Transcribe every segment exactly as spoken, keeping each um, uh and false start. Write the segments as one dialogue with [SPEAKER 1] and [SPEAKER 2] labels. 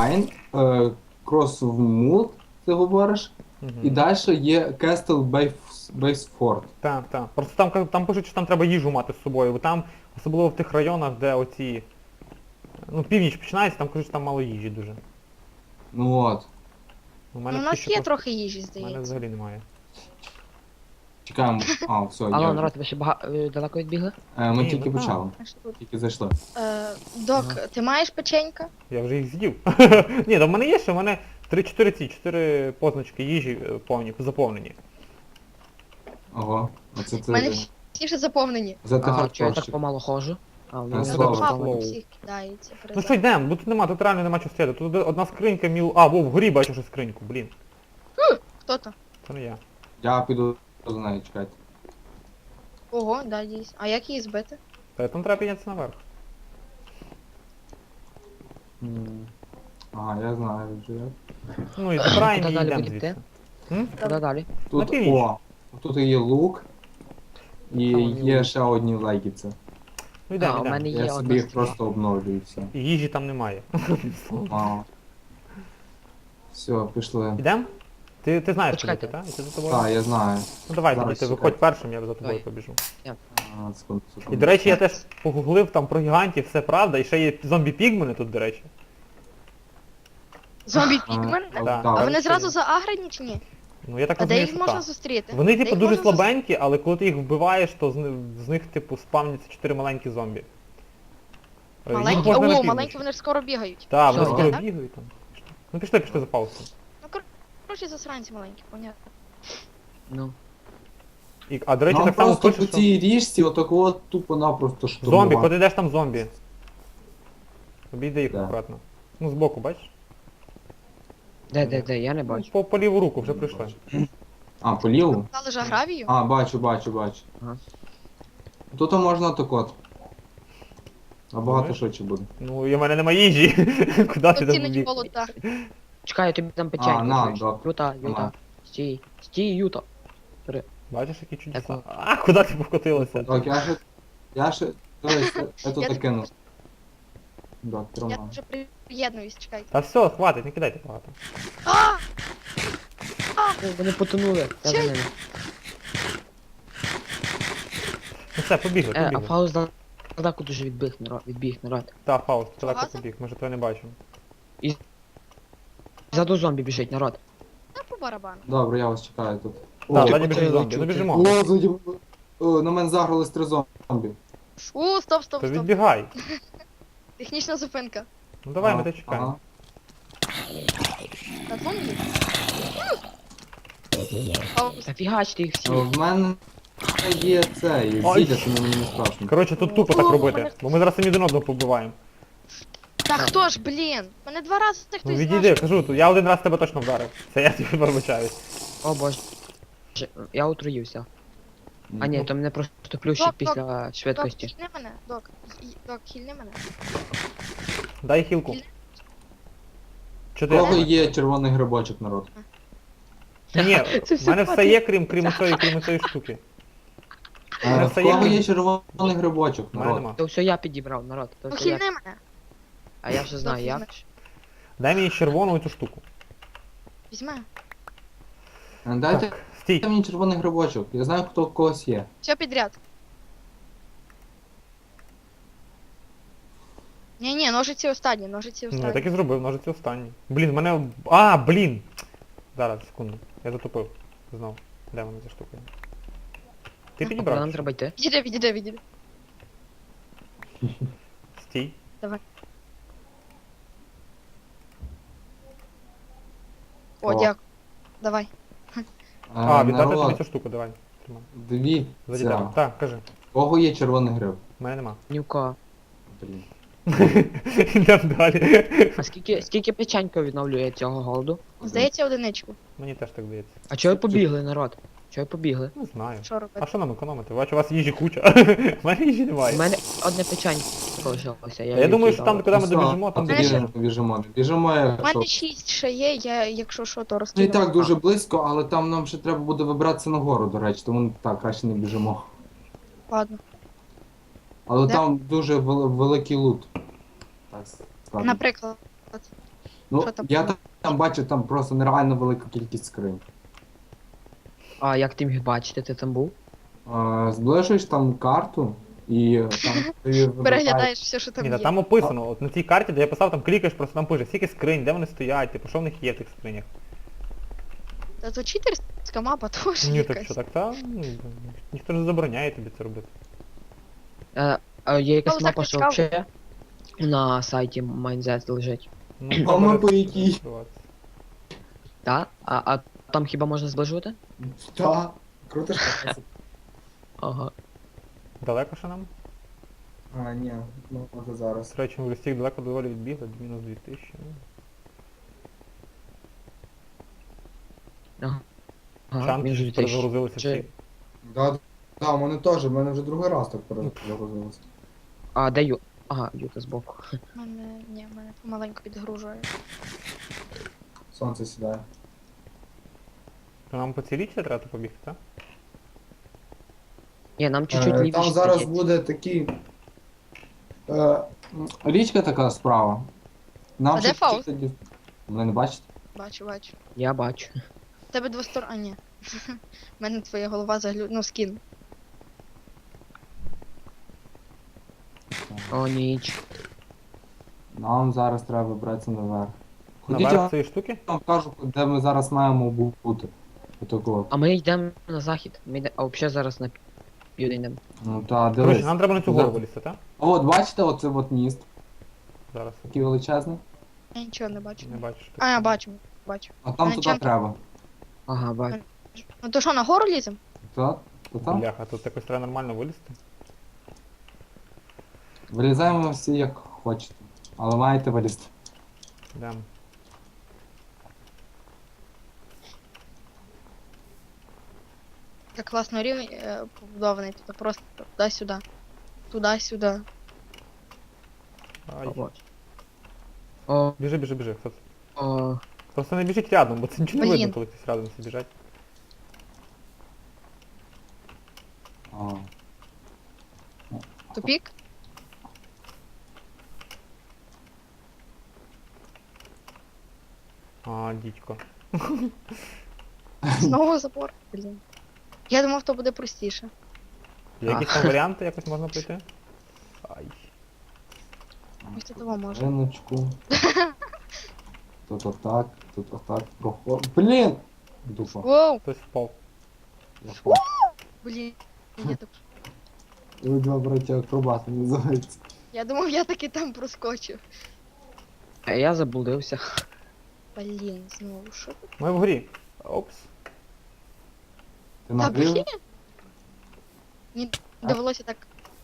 [SPEAKER 1] Mine, е, Cross of Mold, ти говориш,
[SPEAKER 2] Угу.
[SPEAKER 1] і далі є Castle Base Base Fort.
[SPEAKER 2] Так, так. Просто там, ка- там пишуть, що там треба їжу мати з собою, бо там, особливо в тих районах, де оці... Ну, північ починається, там кажуть, що там мало їжі дуже.
[SPEAKER 1] Ну от.
[SPEAKER 2] У
[SPEAKER 3] Ну,
[SPEAKER 2] мене
[SPEAKER 3] у
[SPEAKER 2] поки
[SPEAKER 3] нас
[SPEAKER 2] що
[SPEAKER 3] є
[SPEAKER 2] просто-
[SPEAKER 3] трохи їжі,
[SPEAKER 2] У мене
[SPEAKER 3] здається.
[SPEAKER 2] взагалі немає.
[SPEAKER 1] Чекаємо. А, все,
[SPEAKER 4] Алло,
[SPEAKER 1] є.
[SPEAKER 4] народ, ви ще бага... е, далеко відбігли?
[SPEAKER 1] Е, Ми
[SPEAKER 2] Ні,
[SPEAKER 1] тільки
[SPEAKER 2] ну так.
[SPEAKER 1] почали.
[SPEAKER 3] А що тут?
[SPEAKER 1] Тільки зайшли.
[SPEAKER 3] Е, Док, ти маєш печенька?
[SPEAKER 2] Я вже їх з'їв. Ні, та в мене є ще, в мене три-чотири ці, чотири позначки їжі е, повні, заповнені.
[SPEAKER 1] Ого. Оце
[SPEAKER 3] У мене
[SPEAKER 1] ти.
[SPEAKER 3] всі вже заповнені.
[SPEAKER 1] За ти
[SPEAKER 4] А, чого я так
[SPEAKER 1] хардкорщик.
[SPEAKER 4] помало ходжу? А,
[SPEAKER 1] Е,
[SPEAKER 4] ну,
[SPEAKER 1] Слава.
[SPEAKER 4] я
[SPEAKER 2] Слава.
[SPEAKER 4] так
[SPEAKER 3] Всіх кидається.
[SPEAKER 2] Ну що йдемо, бо тут нема, тут реально нема чого стояти. Тут одна скринька міл... А, во, вгорі бачу ще скриньку, блін.
[SPEAKER 3] Хто то?
[SPEAKER 2] Це не я.
[SPEAKER 1] Я піду за нею, чекайте.
[SPEAKER 3] Ого, да, дійсно. А як її збити?
[SPEAKER 2] Та там треба піднятися наверх.
[SPEAKER 1] Ага, я знаю вже як.
[SPEAKER 2] Ну і забираємо
[SPEAKER 4] Куди
[SPEAKER 2] і
[SPEAKER 4] далі
[SPEAKER 2] йдемо
[SPEAKER 4] будете?
[SPEAKER 2] звідси. М?
[SPEAKER 4] Куди далі?
[SPEAKER 1] Тут,
[SPEAKER 2] На північ.
[SPEAKER 1] о, тут є лук. І
[SPEAKER 2] Там
[SPEAKER 1] є
[SPEAKER 2] лук.
[SPEAKER 1] ще одні легіці.
[SPEAKER 2] Ну йдемо,
[SPEAKER 4] А, у
[SPEAKER 2] йдемо.
[SPEAKER 4] мене
[SPEAKER 1] Я
[SPEAKER 4] є
[SPEAKER 1] собі
[SPEAKER 4] одна
[SPEAKER 1] їх
[SPEAKER 4] стріла.
[SPEAKER 1] просто обновлюю і все.
[SPEAKER 2] І їжі там немає.
[SPEAKER 1] А. Все, пішли.
[SPEAKER 2] Йдемо? Ти, ти знаєш, куди
[SPEAKER 4] Почекайте.
[SPEAKER 2] ти, так? І ти за тобою?
[SPEAKER 1] Так, я знаю.
[SPEAKER 2] Ну давай,
[SPEAKER 1] Зараз
[SPEAKER 2] тоді ти
[SPEAKER 1] чекай.
[SPEAKER 2] виходь першим, я за тобою
[SPEAKER 4] Давай.
[SPEAKER 2] побіжу.
[SPEAKER 1] А, секунду, секунду.
[SPEAKER 2] І до речі, я теж погуглив там про гігантів, все правда, і ще є зомбі-пігмени тут, до речі.
[SPEAKER 3] Зомбі
[SPEAKER 1] А,
[SPEAKER 3] пігмен?
[SPEAKER 1] а,
[SPEAKER 2] Так.
[SPEAKER 3] А
[SPEAKER 1] так.
[SPEAKER 3] вони зразу заагрені чи ні?
[SPEAKER 2] Ну я так
[SPEAKER 3] А де
[SPEAKER 2] розумію,
[SPEAKER 3] їх
[SPEAKER 2] що
[SPEAKER 3] можна
[SPEAKER 2] так.
[SPEAKER 3] зустріти?
[SPEAKER 2] Вони
[SPEAKER 3] Де
[SPEAKER 2] типу
[SPEAKER 3] їх
[SPEAKER 2] дуже
[SPEAKER 3] можна зус-
[SPEAKER 2] слабенькі, але коли ти їх вбиваєш, то з, ни- з них типу спавняться чотири маленькі зомбі. Е, їх
[SPEAKER 3] Маленькі?
[SPEAKER 2] можна на
[SPEAKER 3] О,
[SPEAKER 2] північ.
[SPEAKER 3] маленькі вони ж скоро бігають.
[SPEAKER 2] Так, вони
[SPEAKER 4] Що,
[SPEAKER 2] скоро
[SPEAKER 3] так?
[SPEAKER 2] бігають там. Ну пішли, пішли за Фаустом.
[SPEAKER 3] Ну, кор- коротше, засранці маленькі, понятно.
[SPEAKER 4] Ну.
[SPEAKER 2] І, а до речі,
[SPEAKER 1] Нам
[SPEAKER 2] так само
[SPEAKER 1] просто
[SPEAKER 2] пише,
[SPEAKER 1] по
[SPEAKER 2] що...
[SPEAKER 1] цій річці отакого тупо-напросто
[SPEAKER 2] Зомбі,
[SPEAKER 1] штурмувати.
[SPEAKER 2] коли ти йдеш там зомбі. Обійди їх
[SPEAKER 1] Да.
[SPEAKER 2] акуратно. Ну збоку, бачиш?
[SPEAKER 4] Де, де, де, я не
[SPEAKER 2] Ну,
[SPEAKER 4] бачу.
[SPEAKER 2] по, по ліву руку вже прийшли.
[SPEAKER 1] А, по ліву?
[SPEAKER 3] Дали ж агравію?
[SPEAKER 1] А, бачу, бачу, бачу.
[SPEAKER 4] Ага.
[SPEAKER 1] Тут можна так от. А багато
[SPEAKER 2] Думаєш?
[SPEAKER 1] швидше буде.
[SPEAKER 2] Ну і в мене нема їжі. Куди ти
[SPEAKER 3] Тут
[SPEAKER 2] там
[SPEAKER 3] цінить
[SPEAKER 2] біг?
[SPEAKER 3] болота.
[SPEAKER 4] Чекай, я тобі там печеньку.
[SPEAKER 1] на,
[SPEAKER 4] чуєш?
[SPEAKER 1] док.
[SPEAKER 4] Юта, Юта.
[SPEAKER 1] На.
[SPEAKER 4] Стій, стій, Юта.
[SPEAKER 2] Бачиш, які чудеса.
[SPEAKER 4] Так,
[SPEAKER 2] А, куди ти покотилася?
[SPEAKER 1] Так, я ще... Я ще... Дивись, я тут
[SPEAKER 3] Я
[SPEAKER 1] так кинув. Так,
[SPEAKER 3] Я
[SPEAKER 1] тримай.
[SPEAKER 3] вже приєднуюсь, чекайте.
[SPEAKER 2] Та все, хватить, не кидайте багато.
[SPEAKER 3] А!
[SPEAKER 4] О, вони потонули. Я за
[SPEAKER 3] Чей?
[SPEAKER 4] ними.
[SPEAKER 2] Ну все, побігли,
[SPEAKER 4] Е, а
[SPEAKER 2] побігли.
[SPEAKER 4] Фауст далеко дуже відбіг, народ, відбіг, народ.
[SPEAKER 2] Та, Фауст, далеко
[SPEAKER 3] Фауст?
[SPEAKER 2] побіг, ми ж тебе не бачимо.
[SPEAKER 4] Ззаду зомбі біжить, народ.
[SPEAKER 3] Та по барабану.
[SPEAKER 1] Добре, я вас чекаю тут.
[SPEAKER 2] Так,
[SPEAKER 1] О,
[SPEAKER 2] ззаді біжить
[SPEAKER 4] оце
[SPEAKER 2] зомбі, ну
[SPEAKER 4] чути.
[SPEAKER 2] біжимо.
[SPEAKER 1] О, ззаді... О, на мене загрались три зомбі.
[SPEAKER 3] У, стоп, стоп,
[SPEAKER 2] То
[SPEAKER 3] стоп.
[SPEAKER 2] відбігай.
[SPEAKER 3] Технічна зупинка.
[SPEAKER 2] Ну давай, ми
[SPEAKER 1] Ага,
[SPEAKER 2] тебе чекаємо.
[SPEAKER 3] На зомбі? О,
[SPEAKER 4] Та фігачте їх всі.
[SPEAKER 1] ага. В мене є цей,
[SPEAKER 2] Ой.
[SPEAKER 1] зілля, тому мені не страшно.
[SPEAKER 2] Коротше, тут тупо так
[SPEAKER 3] О,
[SPEAKER 2] робити,
[SPEAKER 3] мене-
[SPEAKER 2] бо ми зараз самі один одного побиваємо.
[SPEAKER 3] Та хто ж, блін? Мене два рази
[SPEAKER 2] Ну
[SPEAKER 3] хтось
[SPEAKER 2] відійди,
[SPEAKER 3] знав.
[SPEAKER 2] кажу, тут я один раз тебе точно вдарив. Це я тобі пробачаюсь.
[SPEAKER 4] О боже. Я отруївся. А ні, то мене просто плющить
[SPEAKER 3] Док, док,
[SPEAKER 4] після
[SPEAKER 3] Док,
[SPEAKER 4] швидкості.
[SPEAKER 3] хільни мене, док. І- Док, хільни мене.
[SPEAKER 2] Дай хілку.
[SPEAKER 1] У
[SPEAKER 2] Чотири.
[SPEAKER 1] кого є червоний грибочок, народ?
[SPEAKER 2] Ні,
[SPEAKER 4] Це
[SPEAKER 2] в
[SPEAKER 4] все
[SPEAKER 2] мене все
[SPEAKER 4] падає.
[SPEAKER 2] є, крім крім цієї, крім цієї штуки.
[SPEAKER 1] Е,
[SPEAKER 2] мене
[SPEAKER 1] В
[SPEAKER 2] все є
[SPEAKER 1] кого
[SPEAKER 2] крім-
[SPEAKER 1] є червоний грибочок,
[SPEAKER 2] У мене
[SPEAKER 1] народ?
[SPEAKER 2] нема.
[SPEAKER 4] То все я підібрав, народ. То
[SPEAKER 3] Ну
[SPEAKER 4] все я.
[SPEAKER 3] хільни мене.
[SPEAKER 4] А я вже знаю
[SPEAKER 3] Док,
[SPEAKER 4] як.
[SPEAKER 3] візьмеш.
[SPEAKER 2] Дай мені червону цю штуку.
[SPEAKER 3] Візьми.
[SPEAKER 1] Е, Дайте
[SPEAKER 2] Так, стій.
[SPEAKER 1] мені червоний грибочок. Я знаю, хто в когось є.
[SPEAKER 3] Все підряд. Ні, ні, ножиці останні, ножиці
[SPEAKER 2] Ну, я
[SPEAKER 3] останні.
[SPEAKER 2] так і зробив, ножиці останні. Блін, в мене... А, блін! Зараз, секунду. Я затупив. Знов. Де вона ця штука? Ти
[SPEAKER 4] А куди
[SPEAKER 2] підібрав?
[SPEAKER 4] нам
[SPEAKER 2] чи
[SPEAKER 4] треба йти?
[SPEAKER 3] Відійди, відійди, відійди.
[SPEAKER 2] що? Стій.
[SPEAKER 3] О,
[SPEAKER 1] О.
[SPEAKER 3] дякую. Давай.
[SPEAKER 1] Е,
[SPEAKER 2] А, віддати тобі
[SPEAKER 1] народ,
[SPEAKER 2] цю штуку, давай. Тримай. Заді
[SPEAKER 1] дивіться.
[SPEAKER 2] тебе. Так, кажи.
[SPEAKER 1] В кого є червоний гриб?
[SPEAKER 2] В мене нема.
[SPEAKER 4] Ні в кого.
[SPEAKER 1] Блін.
[SPEAKER 2] Йдемо далі.
[SPEAKER 4] А скільки, скільки печенька відновлює цього голоду?
[SPEAKER 3] Здається, одиничку.
[SPEAKER 2] Мені теж так здається.
[SPEAKER 4] А чого ви побігли, народ? Чого ви побігли?
[SPEAKER 2] Не знаю.
[SPEAKER 3] Що
[SPEAKER 2] А
[SPEAKER 3] робити?
[SPEAKER 2] що нам економити? Бачу, у вас їжі куча. В мене їжі
[SPEAKER 4] У
[SPEAKER 2] немає.
[SPEAKER 4] мене одне печенько залишилося.
[SPEAKER 2] Я, я думаю, що там, куди ми
[SPEAKER 1] Все,
[SPEAKER 2] добіжимо, там
[SPEAKER 1] тоді
[SPEAKER 2] добіжимо.
[SPEAKER 1] не біжимо. не Біжимо,
[SPEAKER 3] У
[SPEAKER 1] якщо...
[SPEAKER 3] мене шість ще є, я, якщо що, то
[SPEAKER 1] Ну і
[SPEAKER 3] розкину.
[SPEAKER 1] так дуже близько, але там нам ще треба буде вибратися нагору, до речі, тому так, краще не біжимо.
[SPEAKER 3] Ладно.
[SPEAKER 1] Але
[SPEAKER 3] Де?
[SPEAKER 1] там дуже вел- великий лут. Так, скажемо.
[SPEAKER 3] Наприклад.
[SPEAKER 1] Ну,
[SPEAKER 3] Що там?
[SPEAKER 1] я там, там бачу, там просто нереально велика кількість скринь.
[SPEAKER 4] А як ти міг бачити, ти там був?
[SPEAKER 1] Е, Зближуєш там карту і там тобі вибираєш.
[SPEAKER 3] Переглядаєш все, що там
[SPEAKER 2] Ні, та
[SPEAKER 3] є.
[SPEAKER 2] там описано, от на цій карті, де я писав, там клікаєш, просто там пише, скільки скринь, де вони стоять, типу, що в них є в тих скринях.
[SPEAKER 3] Та то читерська мапа теж
[SPEAKER 2] Ні, так
[SPEAKER 3] якась.
[SPEAKER 2] що, так та, ну, ніхто не забороняє тобі це робити.
[SPEAKER 4] Е, а є якась
[SPEAKER 3] Ну, так
[SPEAKER 4] мапа,
[SPEAKER 3] не
[SPEAKER 4] що
[SPEAKER 3] цікаво.
[SPEAKER 4] взагалі на сайті Майнзет лежить.
[SPEAKER 2] Ну,
[SPEAKER 1] А
[SPEAKER 2] добре,
[SPEAKER 1] ми по якій?
[SPEAKER 2] відкриватися.
[SPEAKER 4] Так? А, а там хіба можна зближувати?
[SPEAKER 1] Та, круто ж.
[SPEAKER 4] Ага.
[SPEAKER 2] Далеко ще нам?
[SPEAKER 1] А, ні, ну може зараз.
[SPEAKER 2] До речі, ми в листік далеко доволі відбігли, мінус дві тисячі.
[SPEAKER 4] Ага. Ага,
[SPEAKER 2] Чанки
[SPEAKER 4] він же
[SPEAKER 2] ж
[SPEAKER 4] дві тисячі.
[SPEAKER 2] перезагрузилися
[SPEAKER 4] Чи-
[SPEAKER 2] всі.
[SPEAKER 1] Да, да, у мене теж, у мене вже другий раз так перезагрузилося.
[SPEAKER 4] А, де Ю? Ага, Юта збоку.
[SPEAKER 3] Мене, ні, мене помаленьку підгружує.
[SPEAKER 1] Сонце сідає.
[SPEAKER 2] То нам по цій річці треба побігти, так?
[SPEAKER 4] Ні, нам чуть-чуть
[SPEAKER 1] Е,
[SPEAKER 4] лівіше.
[SPEAKER 1] Там зараз
[SPEAKER 4] здається.
[SPEAKER 1] буде такий. Е, річка така справа. Нам
[SPEAKER 3] А
[SPEAKER 1] ще
[SPEAKER 3] де Фауст?
[SPEAKER 1] тоді- Ви не бачите?
[SPEAKER 3] Бачу, бачу.
[SPEAKER 4] Я бачу.
[SPEAKER 3] У тебе двостор... А, ні. У мене твоя голова заглю... Ну, скін.
[SPEAKER 4] О, ніч.
[SPEAKER 1] Нам зараз треба вибратися наверх. Ходіть, я
[SPEAKER 2] Наверх цієї штуки?
[SPEAKER 1] вам кажу, де ми зараз маємо бути. Отако.
[SPEAKER 4] А ми йдемо на захід. Ми йдемо. А взагалі зараз на південь йдемо.
[SPEAKER 1] Ну та
[SPEAKER 2] Коротше,
[SPEAKER 1] дивись.
[SPEAKER 2] нам треба на цю
[SPEAKER 1] За-
[SPEAKER 2] гору вилізти, так?
[SPEAKER 1] От бачите, оце от міст,
[SPEAKER 2] Зараз.
[SPEAKER 1] такий величезний.
[SPEAKER 3] Я нічого не бачу.
[SPEAKER 2] Не бачу. що
[SPEAKER 3] А, я
[SPEAKER 2] таке.
[SPEAKER 3] бачу, бачу.
[SPEAKER 1] А там
[SPEAKER 3] Мене
[SPEAKER 1] туди
[SPEAKER 3] чим-
[SPEAKER 1] треба.
[SPEAKER 4] Ага, бачу.
[SPEAKER 3] Ну то що, на гору лізем?
[SPEAKER 1] Та, то там.
[SPEAKER 2] Бляха, тут якось треба нормально вилізти.
[SPEAKER 1] Вилізаємо всі як хочете. Але маєте вилізти.
[SPEAKER 2] Йдемо.
[SPEAKER 3] Так класно рівень е, побудований, тут просто туди-сюди. Туди-сюди.
[SPEAKER 2] Ай.
[SPEAKER 4] Побачу. О,
[SPEAKER 2] Біжи, біжи, біжи. Хто це?
[SPEAKER 4] о,
[SPEAKER 2] Просто не біжіть рядом, бо це нічого не
[SPEAKER 3] Блін.
[SPEAKER 2] видно, коли хтось рядом всі біжать.
[SPEAKER 1] А.
[SPEAKER 3] Тупік?
[SPEAKER 2] А, дідько.
[SPEAKER 3] Знову забор. Блін. Я думав, то буде простіше.
[SPEAKER 2] Є якісь там варіанти, якось можна пройти? Ай.
[SPEAKER 3] Ось тут того може.
[SPEAKER 1] Риночку. Тут отак, тут отак проход. Блін! Дупа.
[SPEAKER 3] Воу!
[SPEAKER 2] Хтось впав.
[SPEAKER 1] Я впав.
[SPEAKER 3] Блін. Я, так...
[SPEAKER 1] Ви два браття акробати називається.
[SPEAKER 3] я думав, я таки там проскочив.
[SPEAKER 4] а я заблудився.
[SPEAKER 3] Блін, знову що тут?
[SPEAKER 2] Ми вгорі. Опс.
[SPEAKER 1] Ти
[SPEAKER 3] Та
[SPEAKER 1] набрив?
[SPEAKER 3] блін. Мені довелося так.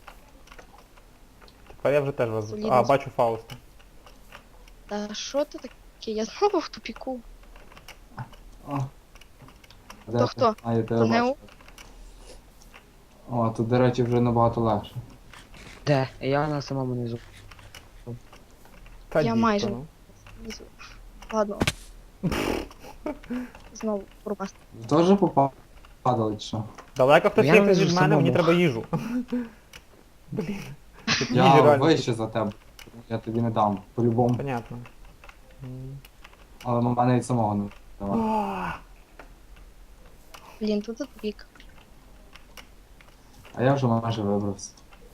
[SPEAKER 2] Тепер я вже теж вас.
[SPEAKER 3] Солідно.
[SPEAKER 2] А, бачу Фауста.
[SPEAKER 3] Та що ти таке? Я знову в тупіку.
[SPEAKER 1] А. Де
[SPEAKER 3] То
[SPEAKER 1] ти?
[SPEAKER 3] хто?
[SPEAKER 1] А, я тебе
[SPEAKER 3] То не
[SPEAKER 1] бачу. О, тут, до речі, вже набагато легше.
[SPEAKER 4] Де? Я на самому низу.
[SPEAKER 2] Та
[SPEAKER 3] Я
[SPEAKER 2] дідько,
[SPEAKER 3] майже.
[SPEAKER 2] ну.
[SPEAKER 3] Внизу. Ладно. Знову пропасти.
[SPEAKER 1] Ви теж попадали чи що?
[SPEAKER 2] Далеко хтось
[SPEAKER 4] Я
[SPEAKER 2] є
[SPEAKER 4] не
[SPEAKER 2] від
[SPEAKER 4] вижу
[SPEAKER 2] мене, мені
[SPEAKER 4] самому.
[SPEAKER 2] треба їжу. Блін. Тут їжі
[SPEAKER 1] Я
[SPEAKER 2] реально
[SPEAKER 1] вище
[SPEAKER 2] тут.
[SPEAKER 1] за тебе. Я тобі не дам. По-любому.
[SPEAKER 2] Понятно. М.
[SPEAKER 1] Але в мене від самого не давай.
[SPEAKER 2] А,
[SPEAKER 3] Блін, тут тупік.
[SPEAKER 1] А я вже майже вибрався.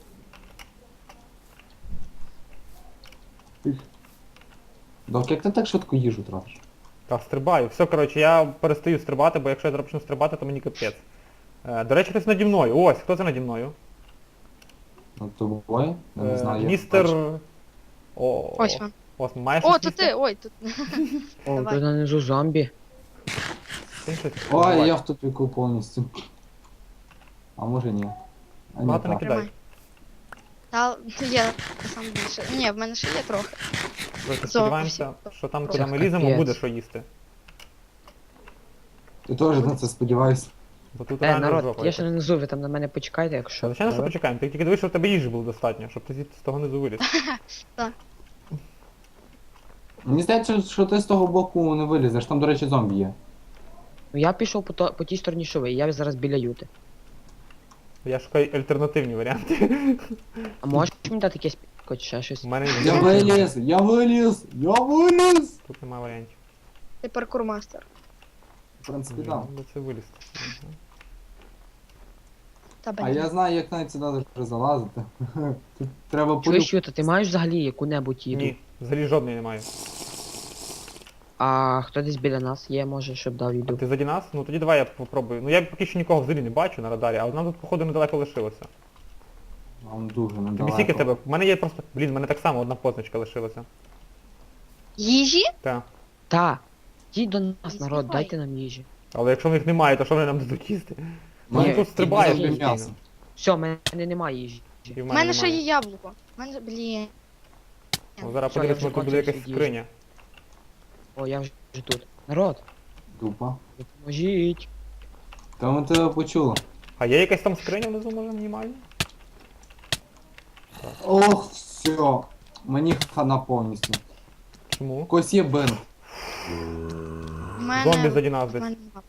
[SPEAKER 1] Ух. Док, як ти так швидко їжу тратиш?
[SPEAKER 2] Та стрибаю. Все, коротше, я перестаю стрибати, бо якщо я зараз почну стрибати, то мені капець. Е, до речі, хтось наді мною. Ось, хто це наді мною?
[SPEAKER 1] Над тобою? Я не
[SPEAKER 2] Е,
[SPEAKER 1] знаю, як
[SPEAKER 2] Містер...
[SPEAKER 1] бачу.
[SPEAKER 2] О,
[SPEAKER 3] Ось він.
[SPEAKER 2] Ось, маєш
[SPEAKER 3] О,
[SPEAKER 2] щось
[SPEAKER 3] то
[SPEAKER 2] їсти?
[SPEAKER 3] ти! Ой, тут.
[SPEAKER 4] О,
[SPEAKER 3] Давай.
[SPEAKER 4] тут нанизу зомбі.
[SPEAKER 2] Ти щось
[SPEAKER 1] Ой,
[SPEAKER 2] буває.
[SPEAKER 1] я в тупіку повністю. А може ні. А ні,
[SPEAKER 2] Багато не
[SPEAKER 1] так.
[SPEAKER 2] кидай.
[SPEAKER 3] Тримай. Та є сам більше. Ні, в мене ще є трохи.
[SPEAKER 2] Коротше, сподіваємося,
[SPEAKER 3] Зовсім.
[SPEAKER 2] що там,
[SPEAKER 3] Це
[SPEAKER 2] куди ми ліземо,
[SPEAKER 4] капець.
[SPEAKER 2] буде що їсти.
[SPEAKER 1] Ти теж на це сподіваєшся.
[SPEAKER 2] Бо тут
[SPEAKER 4] Е,
[SPEAKER 2] реально
[SPEAKER 4] народ,
[SPEAKER 2] жопа.
[SPEAKER 4] я ще не низу, ви там на мене почекайте, якщо.
[SPEAKER 2] Звичайно, що
[SPEAKER 4] Добре?
[SPEAKER 2] почекаємо. Ти тільки дивись, щоб в тебе їжі було достатньо, щоб ти звідти з того низу виліз.
[SPEAKER 1] Мені здається, що ти з того боку не вилізеш. Там, до речі, зомбі є.
[SPEAKER 4] Ну я пішов по, то, по тій стороні, що ви, я зараз біля юти.
[SPEAKER 2] Я шукаю альтернативні варіанти.
[SPEAKER 4] А можеш мені дати якесь хоч ще щось.
[SPEAKER 2] У мене
[SPEAKER 1] Я виліз, я виліз, я виліз.
[SPEAKER 2] тут немає варіантів.
[SPEAKER 3] Ти паркурмастер.
[SPEAKER 1] В принципі,
[SPEAKER 2] Блін,
[SPEAKER 1] так.
[SPEAKER 2] ну це вилізти.
[SPEAKER 3] Та
[SPEAKER 1] А
[SPEAKER 3] блін.
[SPEAKER 1] я знаю, як навіть сюди вже залазити. Тут треба
[SPEAKER 4] Чуєш,
[SPEAKER 1] полю...
[SPEAKER 4] Юта, ти маєш взагалі яку-небудь їду?
[SPEAKER 2] Ні, взагалі жодної немає.
[SPEAKER 4] А хто десь біля нас є, може, щоб дав їду?
[SPEAKER 2] Ти заді нас? Ну тоді давай я попробую. Ну я поки що нікого взагалі не бачу на радарі, а нам тут походу недалеко лишилося.
[SPEAKER 1] Вам дуже
[SPEAKER 2] Тобі
[SPEAKER 1] недалеко.
[SPEAKER 2] скільки тебе? У мене є просто. Блін, в мене так само одна позначка лишилася.
[SPEAKER 3] Їжі?
[SPEAKER 2] Так.
[SPEAKER 4] Та. Йдіть до нас,
[SPEAKER 3] Не
[SPEAKER 4] народ,
[SPEAKER 3] співай.
[SPEAKER 4] дайте нам їжі.
[SPEAKER 2] Але якщо в них немає, то що вони нам дадуть їсти?
[SPEAKER 1] Ні,
[SPEAKER 2] Мене тут
[SPEAKER 1] ти
[SPEAKER 2] стрибає
[SPEAKER 1] не
[SPEAKER 2] постійно.
[SPEAKER 1] м'ясо.
[SPEAKER 4] Все, в мене немає їжі.
[SPEAKER 2] І в
[SPEAKER 3] У
[SPEAKER 2] мене
[SPEAKER 3] мене ще
[SPEAKER 2] немає.
[SPEAKER 3] є яблуко. У мене, блін.
[SPEAKER 2] Ну, зараз
[SPEAKER 4] Все, я
[SPEAKER 2] подивись,
[SPEAKER 4] вже
[SPEAKER 2] може тут буде якась
[SPEAKER 4] кончився
[SPEAKER 2] скриня.
[SPEAKER 4] О, я вже тут. Народ,
[SPEAKER 1] Дупа.
[SPEAKER 4] допоможіть.
[SPEAKER 1] Та ми тебе почули.
[SPEAKER 2] А є якась там скриня внизу, може, мінімальна?
[SPEAKER 1] Ох, все. Мені хана повністю.
[SPEAKER 2] Чому?
[SPEAKER 1] Когось є бинт.
[SPEAKER 3] У мене...
[SPEAKER 2] Зомбі заді нас
[SPEAKER 3] в
[SPEAKER 2] десь.
[SPEAKER 3] мене нема.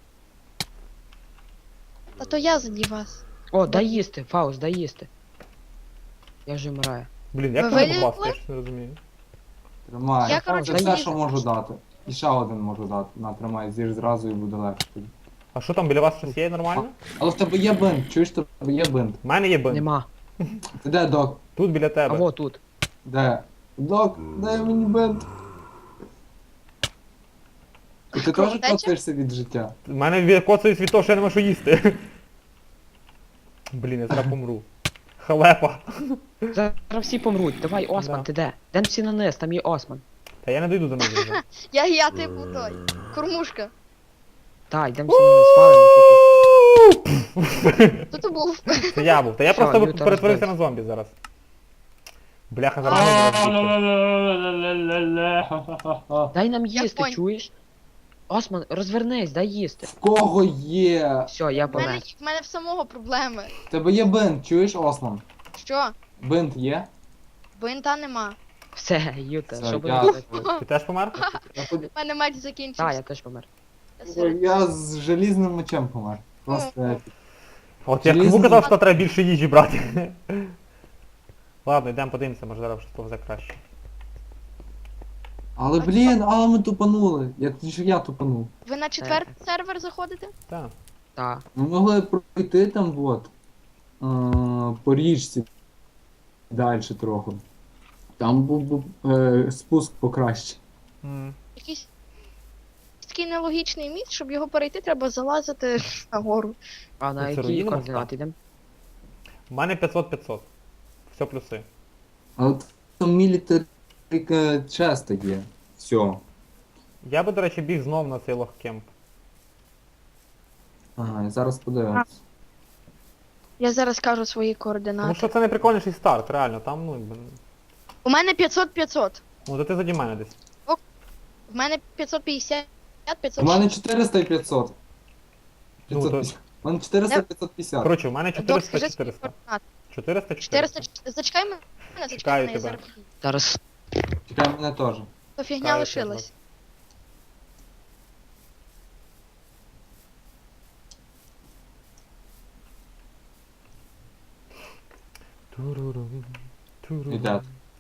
[SPEAKER 3] Та то я заді вас.
[SPEAKER 4] О, дай їсти, Фауст, дай їсти. Я вже вмираю.
[SPEAKER 2] Блін, як
[SPEAKER 3] Ви
[SPEAKER 2] тебе
[SPEAKER 3] вилізли?
[SPEAKER 2] попасти, я ж не розумію.
[SPEAKER 1] Тримай.
[SPEAKER 3] Я,
[SPEAKER 1] Це
[SPEAKER 3] коротше,
[SPEAKER 1] все,
[SPEAKER 3] залізу
[SPEAKER 1] що можу
[SPEAKER 3] просто.
[SPEAKER 1] дати. І ще один можу дати. На, тримай, з'їж зразу і буде легше тобі.
[SPEAKER 2] А що там, біля вас щось є нормально?
[SPEAKER 1] Але в тебе є бинт, чуєш, в тебе є бинт.
[SPEAKER 2] У мене є бин.
[SPEAKER 4] Нема.
[SPEAKER 1] Ти де, док?
[SPEAKER 2] Тут біля
[SPEAKER 4] А
[SPEAKER 2] тебе.
[SPEAKER 4] во тут.
[SPEAKER 1] Де? Док, дай мені бинт. І ти теж
[SPEAKER 3] Кровотеча?
[SPEAKER 1] коцаєшся від життя?
[SPEAKER 2] У мене коцають від того, що я не можу їсти. Блін, я зараз помру. Халепа.
[SPEAKER 4] Зараз всі помруть. Давай, Осман,
[SPEAKER 2] Да.
[SPEAKER 4] ти де? Дем всі на низ, там є Осман.
[SPEAKER 2] Та я не дойду до низу вже.
[SPEAKER 3] Я, я типу той. Кормушка.
[SPEAKER 4] Та, йдем всі на низ, валимо тупо.
[SPEAKER 3] Хто то був?
[SPEAKER 2] Це я був. Та я
[SPEAKER 4] Що,
[SPEAKER 2] просто
[SPEAKER 4] Ньютон
[SPEAKER 2] перетворився
[SPEAKER 4] розбився.
[SPEAKER 2] на зомбі зараз. Бляха, зараз не розбігти.
[SPEAKER 4] Дай нам
[SPEAKER 3] Я
[SPEAKER 4] їсти,
[SPEAKER 3] понял.
[SPEAKER 4] чуєш? Осман, розвернись, дай їсти.
[SPEAKER 1] В кого є?
[SPEAKER 4] Все, я
[SPEAKER 3] В мене,
[SPEAKER 4] помер.
[SPEAKER 3] в мене в самого проблеми.
[SPEAKER 1] В тебе є бинт, чуєш, Ослан?
[SPEAKER 3] Що?
[SPEAKER 1] Бинт є?
[SPEAKER 3] Бинта нема.
[SPEAKER 4] Все, Юта,
[SPEAKER 1] Все,
[SPEAKER 4] що
[SPEAKER 1] я-
[SPEAKER 4] будемо робити?
[SPEAKER 2] Ти теж помер?
[SPEAKER 1] Я, ходю-
[SPEAKER 3] У мене меч
[SPEAKER 4] Та,
[SPEAKER 3] закінчився.
[SPEAKER 4] я теж помер.
[SPEAKER 3] Я серед-
[SPEAKER 1] я з желізним мечем помер. Просто епік.
[SPEAKER 2] От я
[SPEAKER 1] Желізний-
[SPEAKER 2] кому казав, що треба більше їжі брати. Ладно, йдемо подивимося, може зараз щось повзе краще.
[SPEAKER 1] Але блін, але ми тупанули. Як ж я тупанув.
[SPEAKER 3] Ви на четвертий сервер заходите?
[SPEAKER 2] Так.
[SPEAKER 4] Та.
[SPEAKER 1] Ми могли пройти там от. е, По річці. Далі трохи. Там був би е, спуск покраще.
[SPEAKER 2] М.
[SPEAKER 3] Якийсь такий нелогічний міст, щоб його перейти, треба залазити нагору.
[SPEAKER 4] А на
[SPEAKER 2] Ну, це
[SPEAKER 4] які
[SPEAKER 2] руїни
[SPEAKER 4] координати йдемо?
[SPEAKER 2] У мене п'ятсот п'ятсот. Все плюси.
[SPEAKER 1] Але там мілітарі часто є. Все.
[SPEAKER 2] Я би, до речі, біг знов на цей лохкемп.
[SPEAKER 1] Ага, і зараз подивимось.
[SPEAKER 3] Я зараз кажу свої
[SPEAKER 2] Тому
[SPEAKER 3] координати.
[SPEAKER 2] що це найприкольніший старт, реально, там, ну, якби.
[SPEAKER 3] У мене п'ятсот п'ятсот.
[SPEAKER 2] Ну, то ти заді мене десь.
[SPEAKER 3] В мене п'ятсот п'ятдесят,
[SPEAKER 1] У
[SPEAKER 3] п'ятсот
[SPEAKER 1] мене
[SPEAKER 3] шістдесят.
[SPEAKER 1] чотириста і п'ятсот.
[SPEAKER 2] Ну,
[SPEAKER 1] п'ятсот
[SPEAKER 2] то-
[SPEAKER 1] п'ятдесят. У мене чотириста п'ятсот п'ятдесят.
[SPEAKER 2] Коротше, у мене
[SPEAKER 3] Док,
[SPEAKER 2] чотириста
[SPEAKER 3] скажи свої
[SPEAKER 2] чотириста.
[SPEAKER 3] координати.
[SPEAKER 2] чотириста
[SPEAKER 3] чотириста.
[SPEAKER 2] чотириста.
[SPEAKER 3] Зачекай мене,
[SPEAKER 2] Чекаю
[SPEAKER 3] зачекай мене, я
[SPEAKER 2] тебе.
[SPEAKER 3] зараз.
[SPEAKER 4] Зараз.
[SPEAKER 1] Чекай мене теж.
[SPEAKER 3] То фігня
[SPEAKER 2] Чекаю
[SPEAKER 3] лишилась.
[SPEAKER 2] Турурум, турурум.
[SPEAKER 1] Іде.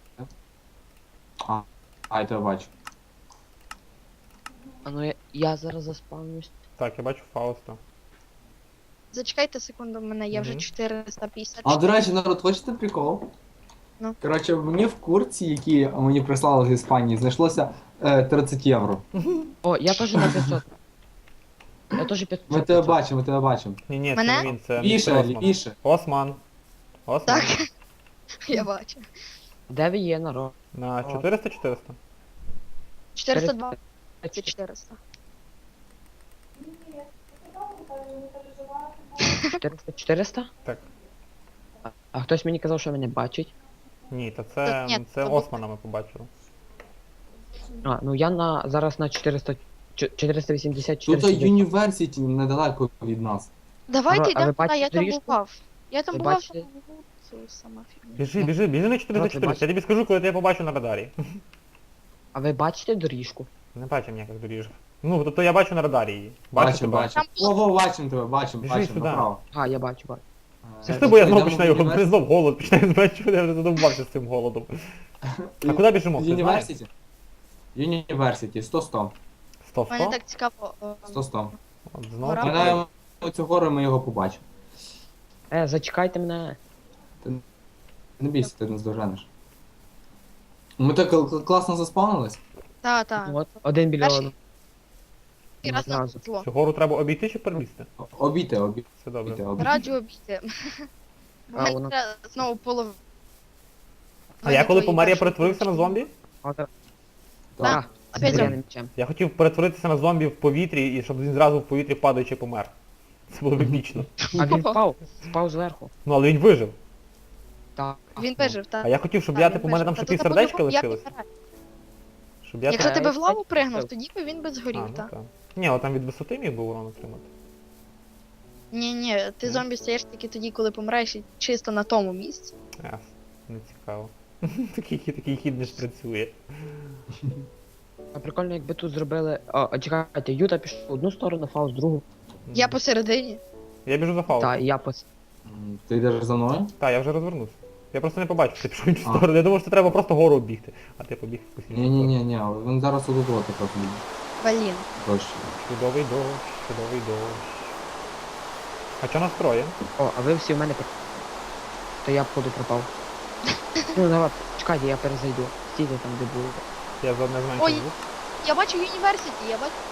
[SPEAKER 1] А, а, я тебе бачу.
[SPEAKER 4] А ну я, я зараз заспавнюсь.
[SPEAKER 2] Так, я бачу Фауста.
[SPEAKER 3] Зачекайте секунду, в мене є вже
[SPEAKER 2] Мгм.
[SPEAKER 3] чотириста п'ятдесят.
[SPEAKER 1] А до речі, народ, хочете прикол?
[SPEAKER 3] Ну.
[SPEAKER 1] Коротше, мені в курці, які мені прислали з Іспанії, знайшлося е, тридцять євро.
[SPEAKER 4] О, я теж на п'ятсот. Я теж п'ятсот.
[SPEAKER 1] Ми тебе бачимо, ми тебе бачимо.
[SPEAKER 2] Ні, ні, це
[SPEAKER 3] Мене?
[SPEAKER 2] не він, це
[SPEAKER 1] Лівіше,
[SPEAKER 2] містер Осман.
[SPEAKER 1] лівіше.
[SPEAKER 2] Осман. Осман.
[SPEAKER 3] Так. Я бачу.
[SPEAKER 4] Де ви є, народ?
[SPEAKER 2] На чотириста чотириста.
[SPEAKER 3] чотириста двадцять чотириста.
[SPEAKER 4] чотириста чотириста?
[SPEAKER 2] Так.
[SPEAKER 4] А, а хтось мені казав, що мене бачить.
[SPEAKER 2] Ні, та
[SPEAKER 3] Так,
[SPEAKER 2] це,
[SPEAKER 3] ні,
[SPEAKER 2] це
[SPEAKER 3] то
[SPEAKER 2] Османа ми побачили.
[SPEAKER 4] А, ну я на зараз на чотириста чо- чотириста вісімдесят
[SPEAKER 1] Тут
[SPEAKER 4] чотириста.
[SPEAKER 1] університі недалеко від нас.
[SPEAKER 3] Давайте
[SPEAKER 4] Ага, а
[SPEAKER 3] йдемо
[SPEAKER 4] ви
[SPEAKER 3] туди, я
[SPEAKER 4] бачите
[SPEAKER 3] там
[SPEAKER 4] доріжку?
[SPEAKER 3] бував. Я там
[SPEAKER 4] Ви
[SPEAKER 3] бував,
[SPEAKER 4] бачите?
[SPEAKER 3] там був це сама фігня.
[SPEAKER 2] Біжи, біжи, біжи на чотириста чотириста.
[SPEAKER 4] бачите?
[SPEAKER 2] Я тобі скажу, коли я тебе побачу на радарі.
[SPEAKER 4] А ви бачите доріжку?
[SPEAKER 2] Не бачу ніяких доріжок. Ну, тобто я бачу на радарі її. Бачу
[SPEAKER 1] Бачимо,
[SPEAKER 2] тебе.
[SPEAKER 1] бачимо.
[SPEAKER 3] Там
[SPEAKER 1] Ого, бачимо тебе, бачимо,
[SPEAKER 2] Біжи
[SPEAKER 1] бачимо,
[SPEAKER 2] сюди.
[SPEAKER 1] направо.
[SPEAKER 4] А, я бачу, бачу.
[SPEAKER 2] Це ж ти, бо я знову
[SPEAKER 1] Йдемо
[SPEAKER 2] починаю
[SPEAKER 1] в
[SPEAKER 2] його, мене
[SPEAKER 1] університет?
[SPEAKER 2] знов голод починає зменшувати, я вже задовбався з цим голодом. А куди біжимо? Ти знаєш?
[SPEAKER 1] Юніверситі? Юніверситі, сто сто.
[SPEAKER 2] сто
[SPEAKER 3] Мене
[SPEAKER 2] сто?
[SPEAKER 3] так цікаво. е,
[SPEAKER 1] сто сто.
[SPEAKER 2] От знову.
[SPEAKER 3] Гора.
[SPEAKER 2] таке.
[SPEAKER 1] Минаємо цю гору, ми його побачимо.
[SPEAKER 4] Е, зачекайте мене.
[SPEAKER 1] Не бійся, ти не здоженеш. Ми так кл- класно заспавнились.
[SPEAKER 3] Та, та.
[SPEAKER 4] От, один біля
[SPEAKER 3] Перший-
[SPEAKER 4] одного.
[SPEAKER 3] І раз на
[SPEAKER 4] Одразу.
[SPEAKER 3] зло.
[SPEAKER 2] Цю гору треба обійти чи перелізти?
[SPEAKER 1] О- Обійте, обійте,
[SPEAKER 2] Все добре.
[SPEAKER 1] обійте.
[SPEAKER 3] Раджу обійти. Бо
[SPEAKER 4] А,
[SPEAKER 3] мені
[SPEAKER 4] воно-
[SPEAKER 3] треба знову половину.
[SPEAKER 2] А я коли
[SPEAKER 3] твої
[SPEAKER 2] помер, я
[SPEAKER 3] перші
[SPEAKER 2] перетворився на
[SPEAKER 3] книжки.
[SPEAKER 2] зомбі?
[SPEAKER 4] От,
[SPEAKER 1] Так.
[SPEAKER 3] Так.
[SPEAKER 4] з
[SPEAKER 3] Опять
[SPEAKER 4] дерев'яним мечем.
[SPEAKER 2] Я хотів перетворитися на зомбі в повітрі, і щоб він зразу в повітрі падаючи помер. Це було б епічно.
[SPEAKER 4] А він впав, впав зверху.
[SPEAKER 2] Ну але він вижив.
[SPEAKER 4] Так.
[SPEAKER 3] Він вижив, так.
[SPEAKER 2] А я хотів, щоб
[SPEAKER 3] Так,
[SPEAKER 2] я,
[SPEAKER 3] він
[SPEAKER 2] типу, у мене там
[SPEAKER 3] вижив.
[SPEAKER 2] ще
[SPEAKER 3] Та
[SPEAKER 2] пів
[SPEAKER 3] тут
[SPEAKER 2] сердечка
[SPEAKER 3] по-любому як
[SPEAKER 2] лишилось.
[SPEAKER 3] помирає.
[SPEAKER 2] Щоб я
[SPEAKER 3] Якщо
[SPEAKER 2] там...
[SPEAKER 3] тебе в лаву пригнув,
[SPEAKER 4] Так.
[SPEAKER 3] тоді би він би
[SPEAKER 2] А,
[SPEAKER 3] згорів,
[SPEAKER 2] ну
[SPEAKER 3] так.
[SPEAKER 2] так. Ні, от там від висоти міг був урон отримати.
[SPEAKER 3] Ні, ні, ти
[SPEAKER 2] Ну.
[SPEAKER 3] зомбі стаєш тільки тоді, коли помираєш і чисто на тому місці.
[SPEAKER 2] Ясно, не цікаво. Такий, хід- такий хід не ж працює.
[SPEAKER 4] А прикольно, якби тут зробили. А, а чекайте, Юта пішов в одну сторону, Фауст в другу.
[SPEAKER 3] Я посередині.
[SPEAKER 2] Я біжу за фаулом.
[SPEAKER 4] Та, і я пос.
[SPEAKER 1] М, Ти йдеш за мною?
[SPEAKER 2] Так, я вже розвернувся. Я просто не побачив, що ти пішов в іншу
[SPEAKER 1] А.
[SPEAKER 2] сторону. Я думав, що треба просто гору оббігти. А ти побіг в якусь іншу сторону.
[SPEAKER 1] Ні-ні-ні, він зараз отут от так буде.
[SPEAKER 3] Блін.
[SPEAKER 1] Дощ.
[SPEAKER 2] Чудовий дощ, чудовий дощ. А що нас троє?
[SPEAKER 4] О, а ви всі в мене. про- То я походу пропав. Ну давай, чекайте, я перезайду. Стійте там, де було.
[SPEAKER 2] Я заодно
[SPEAKER 3] Ой.
[SPEAKER 2] зменшив звук.
[SPEAKER 3] Я бачу університі, я бачу.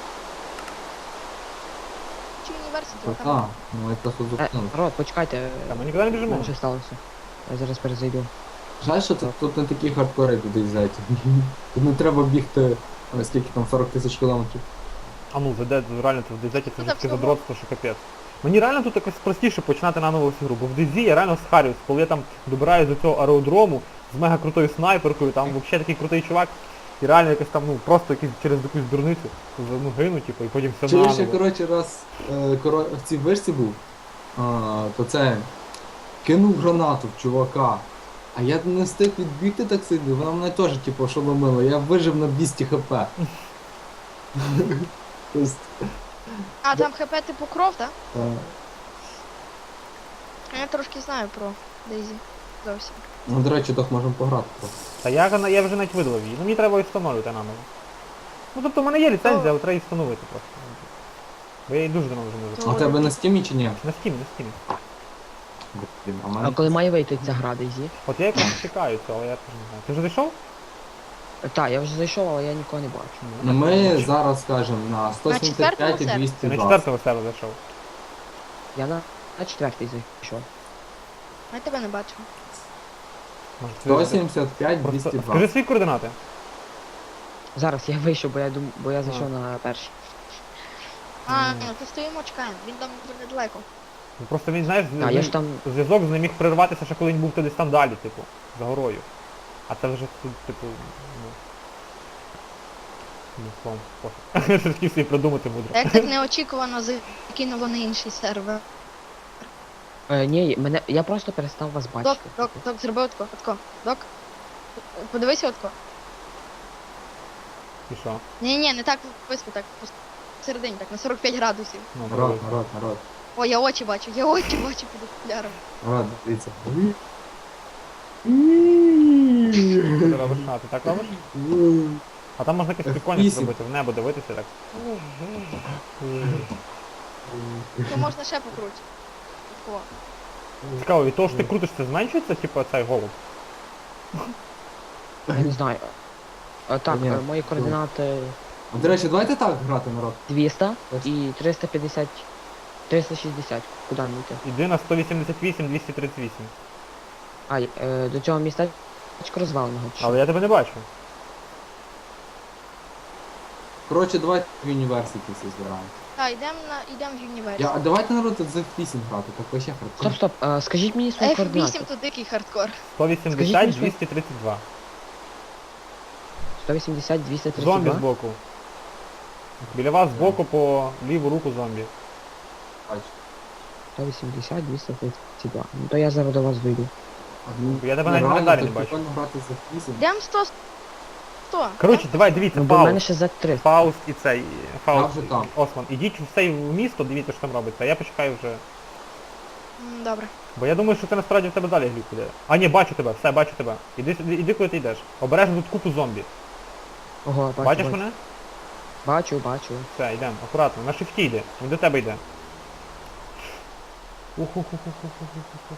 [SPEAKER 3] Бачу університі,
[SPEAKER 1] Та
[SPEAKER 3] там.
[SPEAKER 1] та, ну я просто
[SPEAKER 4] Е,
[SPEAKER 1] зупинився.
[SPEAKER 4] народ, почекайте.
[SPEAKER 2] Та ми нікуди не біжимо.
[SPEAKER 4] Що сталося? Я зараз перезайду.
[SPEAKER 1] Жаль, що тут, тут не такі хардкори туди взяти. Тут не треба бігти, ой, скільки там, сорок тисяч кілометрів.
[SPEAKER 2] А ну, веде, реально, це в Дезеті це
[SPEAKER 3] Ну,
[SPEAKER 2] вже
[SPEAKER 3] так
[SPEAKER 2] таке
[SPEAKER 3] всього.
[SPEAKER 2] задротство, що капець. Мені реально тут якось простіше починати наново всю гру, бо в Дезі я реально схарююсь, коли я там добираюсь до цього аеродрому з мега крутою снайперкою, там взагалі такий крутий чувак, і реально якось там, ну, просто якийсь через якусь дурницю, ну, гину, типу, і потім все
[SPEAKER 1] Чуєш, я,
[SPEAKER 2] наново.
[SPEAKER 1] коротше, раз е, коро... в цій вишці був, а, то це кинув гранату в чувака. А я не встиг відбігти так сильно, вона мене теж, типу, шоломила, я вижив на двісті хп. Тобто,
[SPEAKER 3] А, там хп типу кров, так?
[SPEAKER 1] е,
[SPEAKER 3] Я трошки знаю про Дейзі. Зовсім.
[SPEAKER 1] ну, до речі, так можемо пограти трохи.
[SPEAKER 2] Та я, гана- я вже навіть видалив її, ну мені треба її встановити наново. Ну тобто в мене є ліцензія, але треба її встановити просто. Бо я її дуже давно вже не
[SPEAKER 1] А
[SPEAKER 2] запускав.
[SPEAKER 1] у тебе на стімі чи ні?
[SPEAKER 2] На стімі, на стімі.
[SPEAKER 1] Блін, а в
[SPEAKER 4] А
[SPEAKER 1] мене...
[SPEAKER 4] коли має вийти ця гра, Дейзі?
[SPEAKER 2] От я якраз чекаю цього, але я теж не знаю. Ти вже зайшов?
[SPEAKER 4] Так, я вже зайшов, але я нікого не бачу.
[SPEAKER 1] Ну, ми зараз, скажемо, на сто сімдесят п'ять і
[SPEAKER 3] четвертому
[SPEAKER 1] двісті
[SPEAKER 2] Ти на
[SPEAKER 1] двадцять.
[SPEAKER 2] четвертого сервер зайшов.
[SPEAKER 4] Я на, на четвертий зайшов.
[SPEAKER 3] Я тебе не бачу.
[SPEAKER 2] Може,
[SPEAKER 1] сто
[SPEAKER 2] ти-
[SPEAKER 1] сімдесят п'ять,
[SPEAKER 2] Просто
[SPEAKER 1] двісті
[SPEAKER 2] скажи
[SPEAKER 1] двадцять.
[SPEAKER 2] свої координати.
[SPEAKER 4] Зараз я вийшов, бо я дум... бо я зайшов на перший.
[SPEAKER 3] А,
[SPEAKER 2] Мгм.
[SPEAKER 3] ну то стоїмо, чекаємо. Він там дуже недалеко.
[SPEAKER 2] Ну, просто він, знаєш,
[SPEAKER 4] А
[SPEAKER 2] він-
[SPEAKER 4] я ж там.
[SPEAKER 2] зв'язок з ним міг перерватися, ще коли він був десь там далі, типу, за горою. А це вже тут, типу, ну. Ну, словом, пофіг. Я ж хотів собі придумати
[SPEAKER 3] А
[SPEAKER 2] мудро.
[SPEAKER 3] як так неочікувано закинуло на інший сервер.
[SPEAKER 4] Е, ні, мене. Я просто перестав вас
[SPEAKER 3] Док,
[SPEAKER 4] бачити.
[SPEAKER 3] док, док, зроби отко, отко. Док. Подивися отко.
[SPEAKER 2] І що?
[SPEAKER 3] Ні, ні, не так виспи, так посередині, так, на сорок п'ять градусів.
[SPEAKER 2] Ну,
[SPEAKER 1] Народ,
[SPEAKER 2] пробуй.
[SPEAKER 1] народ, народ.
[SPEAKER 3] О, я очі бачу, я очі бачу під окуляром.
[SPEAKER 1] Народ, дивіться.
[SPEAKER 2] Що ти робиш? А, ти так робиш? А там можна якось прикольно
[SPEAKER 1] Вісім.
[SPEAKER 2] зробити, в небо дивитися так.
[SPEAKER 3] То можна ще покруче. Отко.
[SPEAKER 2] Цікаво, від того, що ти крутиш, це зменшується, типу, цей голуб?
[SPEAKER 4] Я не знаю. Е, так,
[SPEAKER 1] Ні,
[SPEAKER 4] е, мої координати
[SPEAKER 1] А, до речі, давайте так грати, народ.
[SPEAKER 4] двісті
[SPEAKER 1] Ось.
[SPEAKER 4] і триста п'ятдесят. триста шістдесят. Куди мені йти?
[SPEAKER 2] Іди на сто вісімдесят вісім, двісті тридцять вісім.
[SPEAKER 4] А, е, до цього містечка розваленого. чи що?
[SPEAKER 2] Але я тебе не бачу.
[SPEAKER 1] Коротше, давайте в університі всі збираємо.
[SPEAKER 3] Так, йдемо на йдемо в університет.
[SPEAKER 1] Я, а давайте, народ, з еф вісім грати, так вообще хардкор.
[SPEAKER 4] Стоп, стоп, е, скажіть мені свої
[SPEAKER 3] еф вісім
[SPEAKER 4] координати.
[SPEAKER 3] то дикий хардкор.
[SPEAKER 2] сто
[SPEAKER 4] Скажіть
[SPEAKER 2] вісімдесят,
[SPEAKER 4] мені, що-
[SPEAKER 2] двісті тридцять два.
[SPEAKER 4] сто вісімдесят, двісті тридцять
[SPEAKER 2] Зомбі
[SPEAKER 4] два.
[SPEAKER 2] збоку. Біля вас збоку по ліву руку зомбі.
[SPEAKER 1] Бачу.
[SPEAKER 4] сто вісімдесят, двісті тридцять два. Ну то я зараз до вас вийду.
[SPEAKER 2] Я тебе
[SPEAKER 1] Ну,
[SPEAKER 2] навіть в
[SPEAKER 1] реально,
[SPEAKER 2] календарі
[SPEAKER 1] так
[SPEAKER 2] не бачу.
[SPEAKER 1] прикольно грати з еф вісім.
[SPEAKER 3] Йдемо сто. сто.
[SPEAKER 2] Коротше, давай, дивіться,
[SPEAKER 4] Ну бо в мене
[SPEAKER 2] Фауст.
[SPEAKER 4] ще за три.
[SPEAKER 2] Фауст і цей. Фауст.
[SPEAKER 1] Я вже там.
[SPEAKER 2] Осман. Ідіть в цей місто, дивіться, що там робиться. А я почекаю вже.
[SPEAKER 3] М, Добре.
[SPEAKER 2] Бо я думаю, що це насправді в тебе далі глюк іде. А ні, бачу тебе, все, бачу тебе. Іди, сюди- іди куди ти йдеш. Обережно тут купу зомбі.
[SPEAKER 4] Ого, бачу,
[SPEAKER 2] Бачиш
[SPEAKER 4] бачу.
[SPEAKER 2] мене?
[SPEAKER 4] Бачу, бачу.
[SPEAKER 2] Все, йдемо, акуратно, на шифті йде. Він до тебе йде. Уху-ху-ху-ху-ху-ху-ху.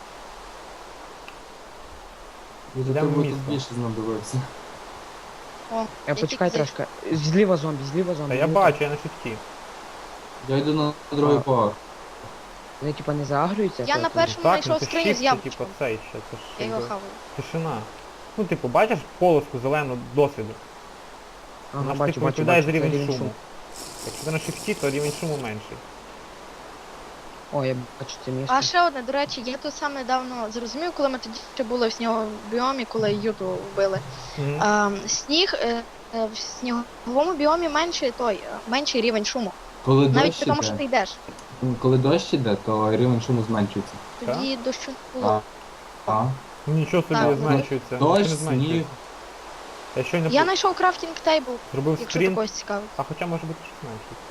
[SPEAKER 1] Я до
[SPEAKER 2] Йдемо в
[SPEAKER 1] тебе тут
[SPEAKER 2] місто.
[SPEAKER 1] більше знадобився.
[SPEAKER 3] О,
[SPEAKER 4] Я почекай
[SPEAKER 3] тільки-
[SPEAKER 4] трошки. Зліва зомбі, зліва зомбі.
[SPEAKER 2] Та я
[SPEAKER 4] Ну,
[SPEAKER 2] бачу, я на шифті.
[SPEAKER 1] Я йду на другий
[SPEAKER 2] А.
[SPEAKER 1] поверх.
[SPEAKER 4] Вони типа не заагрюються?
[SPEAKER 3] Я
[SPEAKER 4] то-
[SPEAKER 3] на
[SPEAKER 4] то-
[SPEAKER 3] першому
[SPEAKER 2] Так, ну
[SPEAKER 3] знайшов
[SPEAKER 2] це
[SPEAKER 3] скриню
[SPEAKER 2] shift,
[SPEAKER 3] з
[SPEAKER 2] це
[SPEAKER 3] яблучком.
[SPEAKER 2] типу цей ще, це ж
[SPEAKER 3] Я його
[SPEAKER 2] якби
[SPEAKER 3] хаваю.
[SPEAKER 2] тишина. Ну, типу, бачиш полоску зелену досвіду?
[SPEAKER 4] Ага,
[SPEAKER 2] Вона ж
[SPEAKER 4] бачу,
[SPEAKER 2] типу
[SPEAKER 4] бачу,
[SPEAKER 2] відповідає
[SPEAKER 4] бачу.
[SPEAKER 2] за
[SPEAKER 4] це
[SPEAKER 2] рівень
[SPEAKER 4] рівень
[SPEAKER 2] шуму. Якщо ти на шифті, то рівень шуму менший.
[SPEAKER 4] О, я бачу це місце.
[SPEAKER 3] А ще одне, до речі, я тут сам недавно зрозумів, коли ми тоді ще були в сніговому біомі, коли Юту вбили.
[SPEAKER 2] Мгм.
[SPEAKER 3] А, сніг е, е, в сніговому біомі менший той, е, менший рівень шуму.
[SPEAKER 1] Коли
[SPEAKER 3] Навіть
[SPEAKER 1] дощ
[SPEAKER 3] при тому, що ти
[SPEAKER 1] іде,
[SPEAKER 3] йдеш.
[SPEAKER 1] коли дощ іде, то рівень шуму зменшується.
[SPEAKER 3] Тоді дощу не
[SPEAKER 1] А,
[SPEAKER 3] було.
[SPEAKER 1] а.
[SPEAKER 2] Ну, нічого собі
[SPEAKER 3] Так,
[SPEAKER 2] зменшується.
[SPEAKER 1] дощ,
[SPEAKER 2] нічого не зменшується.
[SPEAKER 1] сніг.
[SPEAKER 2] Я щойно
[SPEAKER 3] Я
[SPEAKER 2] по-
[SPEAKER 3] знайшов крафтінг тейбл,
[SPEAKER 2] зробив
[SPEAKER 3] якщо
[SPEAKER 2] скрін,
[SPEAKER 3] такось цікавить.
[SPEAKER 2] а хоча може бути що зменшується.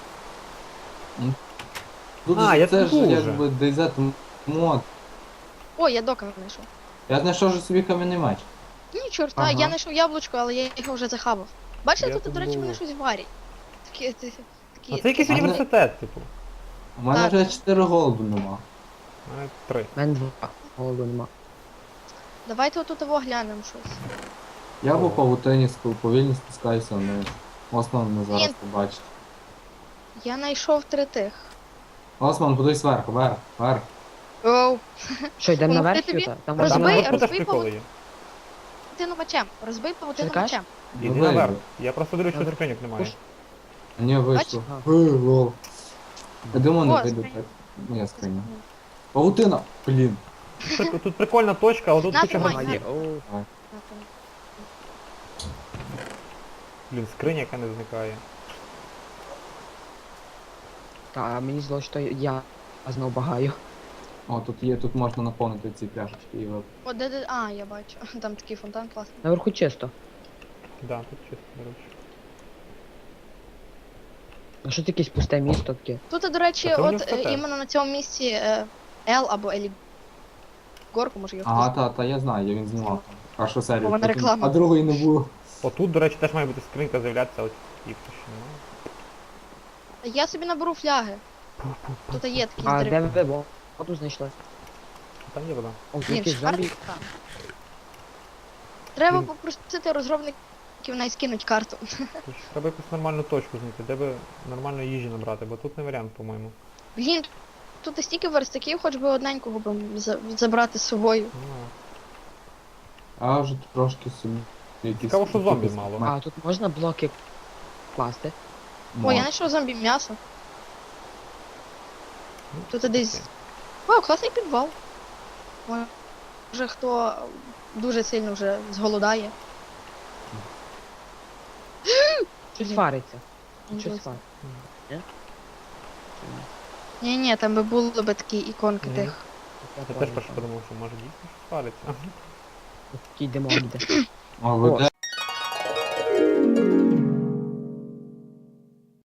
[SPEAKER 1] Тут
[SPEAKER 2] А, я
[SPEAKER 1] це
[SPEAKER 2] тут
[SPEAKER 1] ж
[SPEAKER 2] був
[SPEAKER 1] якби ді зет мод.
[SPEAKER 3] О, я дока знайшов.
[SPEAKER 1] Я знайшов же собі кам'яний меч.
[SPEAKER 3] Ні, чорта,
[SPEAKER 1] Ага.
[SPEAKER 3] я знайшов яблучко, але я його вже захавав. Бачите,
[SPEAKER 2] Я
[SPEAKER 3] тут,
[SPEAKER 2] тут
[SPEAKER 3] до речі,
[SPEAKER 2] був.
[SPEAKER 3] вони щось варять. Такі, такі, такі.
[SPEAKER 2] А це якийсь
[SPEAKER 1] А мене-
[SPEAKER 2] університет, типу.
[SPEAKER 1] У мене
[SPEAKER 3] Так.
[SPEAKER 1] вже чотири голоду нема.
[SPEAKER 2] У мене три.
[SPEAKER 4] У мене два. Голоду нема.
[SPEAKER 3] Давайте отут його глянемо щось.
[SPEAKER 1] Я
[SPEAKER 2] О.
[SPEAKER 1] по павутині спу- повільно спускаюся вниз. Осман не зараз
[SPEAKER 3] Ні.
[SPEAKER 1] побачить.
[SPEAKER 3] Я знайшов три тих.
[SPEAKER 1] Осман, подивись вверх, вверх, вверх.
[SPEAKER 3] Оу,
[SPEAKER 4] Що, йдемо
[SPEAKER 3] Помогти
[SPEAKER 4] наверх,
[SPEAKER 3] тобі?
[SPEAKER 4] Юта? Там
[SPEAKER 2] Там
[SPEAKER 3] Розбий-
[SPEAKER 4] можна
[SPEAKER 2] наверху
[SPEAKER 4] наверх?
[SPEAKER 2] теж
[SPEAKER 3] розбий
[SPEAKER 2] приколи є.
[SPEAKER 3] павутину мечем. Розбий павутину
[SPEAKER 4] Що ти кажеш?
[SPEAKER 3] мечем.
[SPEAKER 2] Іди
[SPEAKER 1] Вийду.
[SPEAKER 2] наверх. Я просто дивлюсь, що
[SPEAKER 4] Наверх.
[SPEAKER 2] скриньок немає.
[SPEAKER 4] Пуш.
[SPEAKER 1] Ні, вийшло.
[SPEAKER 4] Бач?
[SPEAKER 1] Ей, лол. Я думаю, не
[SPEAKER 3] О,
[SPEAKER 1] вийду
[SPEAKER 3] скриня.
[SPEAKER 1] так. Ні, скриня. Павутина! Блін.
[SPEAKER 2] Тут, тут прикольна точка, але тут
[SPEAKER 3] На,
[SPEAKER 2] куча
[SPEAKER 3] тримай,
[SPEAKER 2] гравців.
[SPEAKER 4] О,
[SPEAKER 2] Блін, скриня, яка не зникає.
[SPEAKER 4] та, а мені здалося, що я знов багаю.
[SPEAKER 1] О, тут є, тут можна наповнити ці пляшечки і випити.
[SPEAKER 3] О, де де. А, я бачу. Там такий фонтан класний.
[SPEAKER 4] Наверху чисто.
[SPEAKER 2] Да, тут чисто, до речі.
[SPEAKER 4] А що це якесь пусте місто таке?
[SPEAKER 3] Тут, до речі,
[SPEAKER 2] Та це
[SPEAKER 3] от
[SPEAKER 2] університет.
[SPEAKER 3] е, іменно на цьому місці е, Ел або Елі Горку, може його
[SPEAKER 1] Ага,
[SPEAKER 3] хтось.
[SPEAKER 1] та, та я знаю, я він знімав там. Першу серію.
[SPEAKER 3] Вона
[SPEAKER 1] потім-
[SPEAKER 3] реклама.
[SPEAKER 1] А другої не було.
[SPEAKER 2] Отут, до речі, теж має бути скринька з'являтися, от їх ще немає.
[SPEAKER 3] Я собі наберу фляги. Тут є такі
[SPEAKER 4] А
[SPEAKER 3] здри-
[SPEAKER 4] де ви воду знайшли?
[SPEAKER 2] Там є вода.
[SPEAKER 4] О, тут
[SPEAKER 3] Блін,
[SPEAKER 4] якийсь
[SPEAKER 3] шикарно.
[SPEAKER 4] зомбі.
[SPEAKER 3] Треба
[SPEAKER 2] Блін.
[SPEAKER 3] попросити розробників най скинуть карту.
[SPEAKER 2] Тож треба якусь нормальну точку знайти, де би нормальної їжі набрати, бо тут не варіант, по-моєму.
[SPEAKER 3] Блін, тут і стільки верстаків, хоч би одненького б за- забрати з собою.
[SPEAKER 2] Ну,
[SPEAKER 1] А вже трошки собі. Якісь
[SPEAKER 2] Цікаво, що зомбі
[SPEAKER 1] якісь
[SPEAKER 2] мало.
[SPEAKER 1] ме-
[SPEAKER 4] А тут можна блоки класти?
[SPEAKER 3] О, я
[SPEAKER 1] мо-
[SPEAKER 3] знайшов зомбі м'ясо.
[SPEAKER 2] ну,
[SPEAKER 3] Тут
[SPEAKER 2] це
[SPEAKER 3] десь.
[SPEAKER 2] таке.
[SPEAKER 3] О, класний підвал. Може хто дуже сильно вже зголодає.
[SPEAKER 4] Щось
[SPEAKER 3] Блін.
[SPEAKER 4] фариться.
[SPEAKER 3] Нічого
[SPEAKER 4] Щось
[SPEAKER 3] собі.
[SPEAKER 4] фариться.
[SPEAKER 3] Ні, ні, там би були б такі іконки
[SPEAKER 2] Мгм.
[SPEAKER 3] тих.
[SPEAKER 2] Я теж перше подумав, що може дійсно щось париться.
[SPEAKER 4] Такий димок йде.
[SPEAKER 1] А ви
[SPEAKER 4] О,
[SPEAKER 1] де?